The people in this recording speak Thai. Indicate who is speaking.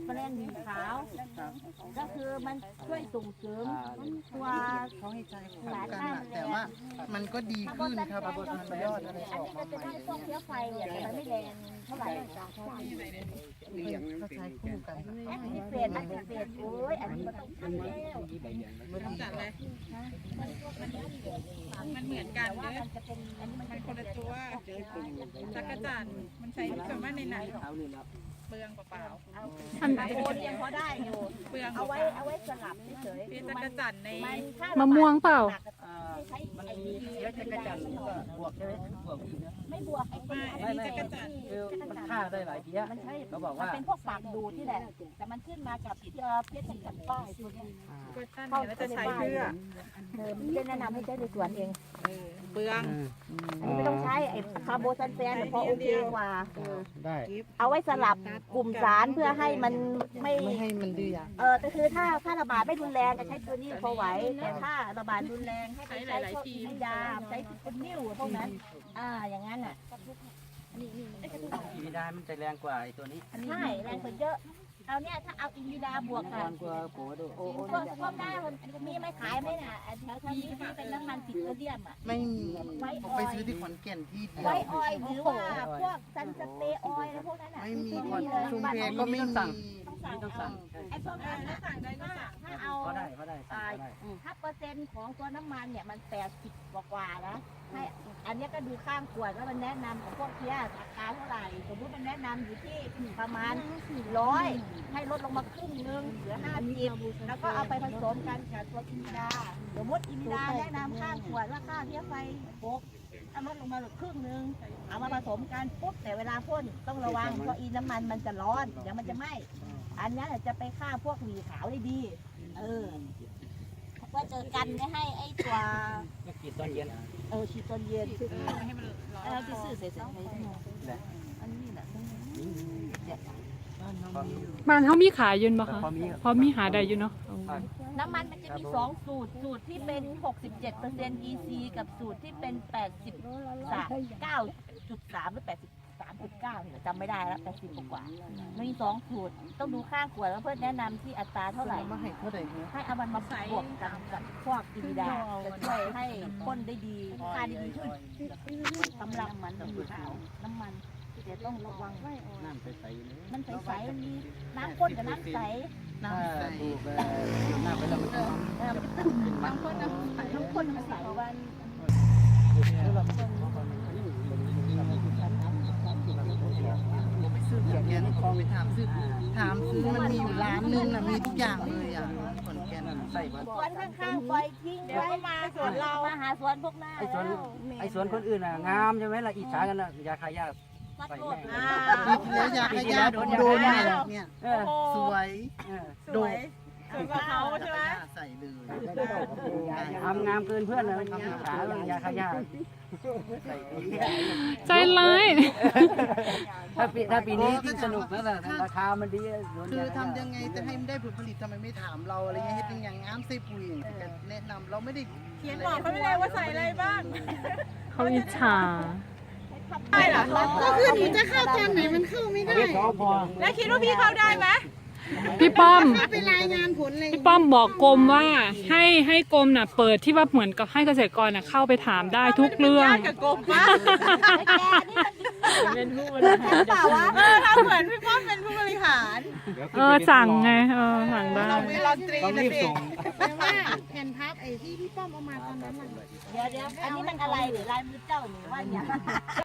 Speaker 1: แมลงหวีขาวก็คือมันช่วยส่งเสริมตัว
Speaker 2: เขาให้ใจคู่กันอะแต่ว่ามันก็ดีขึ้นครับมันยอดอะไร
Speaker 1: อันนี้ก็จะได้พวกเชื้อไฟเนี่ยแต่มันไม่แรงเท่าไหร่
Speaker 2: เขาใช้คู่กัน
Speaker 1: แอคทีเฟตอันนี้เฟตโอ้ยอันนี้มันต้องทำแล้ว
Speaker 3: จัดเลยมันเหมือนกันเด้อ
Speaker 1: มันจะเป็นอันนี้มัน
Speaker 3: มัน
Speaker 1: จะ
Speaker 3: คนละตัวจักรจันทร์มันใช้ส่วนมากในหนังเปลืองเปล่า
Speaker 1: อันโอนยังพอได้อยู่
Speaker 3: ๆเปลือง
Speaker 1: เอาไว้สลับเฉยๆ
Speaker 3: เป็นจักรจันทร์ใน
Speaker 4: มะม่วงเปล่า
Speaker 1: มันเยอะจักรจันทร์
Speaker 5: บวกใช่ไหมบวก
Speaker 1: ไม่บวกไอ้
Speaker 3: ไม่จักรจันทร์
Speaker 5: คือมันฆ่าได้หลายเพี้ย
Speaker 1: มันใช่
Speaker 5: เขาบอก
Speaker 1: มัน
Speaker 5: ว่า
Speaker 1: เป็นพวกปากดูดที่แหละแต่มันขึ้นมากับเพชรกับป้ายตัวนี้
Speaker 3: ก็ท่านเนี่ยจะใช้เพื่อ
Speaker 1: มันจะแนะนำให้ใช้ในสวนเอง
Speaker 3: เปลือง
Speaker 1: อันนี้ไม่ต้องใช้ไอ้คาร์โบซันแฟนพอโอเคกว่า
Speaker 5: ได้
Speaker 1: เอาไว้สลับกลุ่มสารเพื่อให้มันไม่
Speaker 2: ไม่ให้มันดื้อยา
Speaker 1: แต่คือถ้าระบาดไม่รุนแรงจะใช้ตัวนี้พอไหวแต่ถ้าระบาดรุนแรงให้ไปใช้พวกให้ยาใช้เป็นนิ้วพวกนั้นอย่างนั้นอ่ะ
Speaker 5: อีวิดามันจะแรงกว่าไอ้ตัวนี้
Speaker 1: ใช่แรงกว่าเยอะเอาเนี่ยถ้าเอาอินดิดาบวก
Speaker 5: แร
Speaker 1: กับ
Speaker 5: งกว่าโผล่ดูโอ้
Speaker 1: ก็ได้มันมีไม่ขายไหมน่ะแถวนี้ที่เป็นน้ำมันปิโตรเลียมอ่ะ
Speaker 2: ไม่มีผมไปซื้อที่ขอนแก่นที่เดียว
Speaker 1: ไวออยล์หรือว่าพวกซันสเปรย์ออยล์อะไรพวกนั้นอ่ะ
Speaker 2: ไม่มีขอนชุมเพก็ไม่มี
Speaker 5: ต้องสั่ง
Speaker 1: ไอ้พวกนั้นสั่งได้ก็สั่งถ้าเอา
Speaker 5: ก็ได้ก็ได้สั่งก็ได้
Speaker 1: ถ้าเปอร์เซ็นต์ของตัวน้ำมันเนี่ยมัน80กว่าๆนะให้อันนี้ก็ดูข้างขวดแล้วมันแนะนำของพวกเพี้ยราคาเท่าไหร่สมมติมันแนะนำอยู่ที่ประมาณ400ให้ลดลงมาครึ่งนึงเหลือ50แล้วก็เอาไปผสมกันกับตัวอินดาสมมติอินดาแนะนำข้างขวดว่าค่าเพี้ยไฟ6ถ้าลดลงมาเหลือครึ่งนึงเอามาผสมกันปุ๊บแต่เวลาพ่นต้องระวังเพราะอีน้ำมันมันจะร้อนเดี๋ยวมันจะไหม้อันนี้จะไปฆ่าพวกหวีขาวได้ดีว่าเจอกันไม่ให้ไอ้ตัว
Speaker 5: ก็กินตอนเย็น
Speaker 1: ฉีดตอนเย็นคือ
Speaker 3: ให้มันร้อน
Speaker 1: เราจะซื้อเสร็จๆอันนี้แหละ
Speaker 4: บ้านเขามีขายอยืนบ่คะเพราะมีหาได้อยู่เนาะ
Speaker 1: น้ำมันมันจะมี2สูตรสูตรที่เป็น 67% EC กับสูตรที่เป็น 89.3 หรือ 83.9เนี่ยจำไม่ได้แล้ว80กว่ามี2สูตรต้องดูข้างขวดแล้วเพื่อนแนะนำที่อัตราเท่าไหร่
Speaker 2: มาให้เท่าไหร่เนี่ย
Speaker 1: ให้เอามันมาบวกกันกับพวกอินดาจะช่วยให้พ่นได้ดีค่าได้ดีขึ้นกำลังมันอยู่ขาวน้ำมันเดี๋ยวต้องระวัง
Speaker 5: น้ำใสๆเลย
Speaker 1: มันใสๆมีน้ำข้นกับน้ำใส
Speaker 2: น้ำใส
Speaker 5: ถูกน้ำไปแล้วมันจะ
Speaker 1: น้ำข้นน้ำใสน้ำข้นน้ำใสวัน
Speaker 2: ซื้อขอนแก่นคอไปถามซื้อมันมีอยู่ร้านนึงน่ะมีทุกอย่างเลยอ่ะขอนแก่น
Speaker 5: ใส่มา
Speaker 1: สวนข้างๆปล่อยทิ้งไว้มาสวนเรามาหาสวนพวกหน้า
Speaker 5: ไอ้สวนคนอื่นอ่ะงามใช่ไหมล่ะอิจฉากันอ่ะยาคายา
Speaker 1: ใส่แม่
Speaker 2: ปีที่แล้วอยากให้ญาติโดนเนี่ยสวยโดด
Speaker 3: สวยกว่าเขาใช่ไหม
Speaker 2: ใส่เลย
Speaker 5: ทำงามเกินเพื่อนเลยอิจฉายาคายา
Speaker 4: ใจร้าย
Speaker 5: ถ้าปีนี้ที่สนุกนั่นแหละราคามันดี
Speaker 2: คือทำยังไงจะให้มันได้ผลผลิตทำไมไม่ถามเราอะไรเงี้ยเฮ็ดอย่างงามใส่ปุ๋ยแนะนำเราไม่ได้
Speaker 3: เขียนบอกเขาไม่ได้ว่าใส่อะไรบ้าง
Speaker 4: เขาอิจฉา
Speaker 3: ได้เหรอ
Speaker 2: ก็คือหนูจะเข้าตอนไหนมันเข้าไม่ได้
Speaker 3: แล้วคิดว่าพี่เข้าได้ไหม
Speaker 4: พี่ป้อม
Speaker 2: ไปรายงานผลเลย
Speaker 4: พี่ป้อมบอกกรมว่าให้กรมน่ะเปิดที่ว่าเหมือนกับให้เกษตรกรน่ะเข้าไปถามได้ทุกเรื่อง
Speaker 3: กับกบปะ
Speaker 1: เป็นผู้บริหารเปล่าวะ
Speaker 3: ทำเหมือนพี่ป้อมเป็นผู้บริหาร
Speaker 4: สั่งไงสั่งได้
Speaker 3: เรามีลอนตรีนะสิ
Speaker 2: แต่ว่าแผ่นพับไอ้ที่พี่ป้อมเอามาตอนนั้นน่ะ
Speaker 1: เดี๋ยวอันนี้มันอะไรหรือลายมือเจ้าหรือว่าอย่าง